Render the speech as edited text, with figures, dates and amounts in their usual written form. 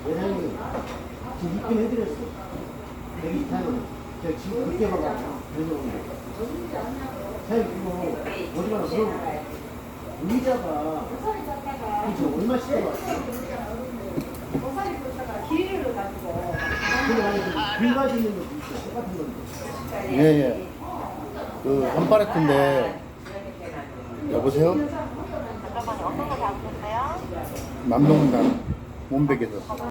예상이 지금 입금 해드렸어. 124는. 제가 지금 그렇게 봐봐. 그래서 오는 거. 사장님, 이거 어디 가나 물어볼게. 의자가 이거 얼마씩 들어왔어? 길이를 가지고. 근데 안에 금 가지는 것도 있어. 똑같은 건데. 예, 예. 그, 한 팔레트인데, 여보세요? 잠깐만요. 어떤 거 잡으셨어요? 남동산, 몸백에서.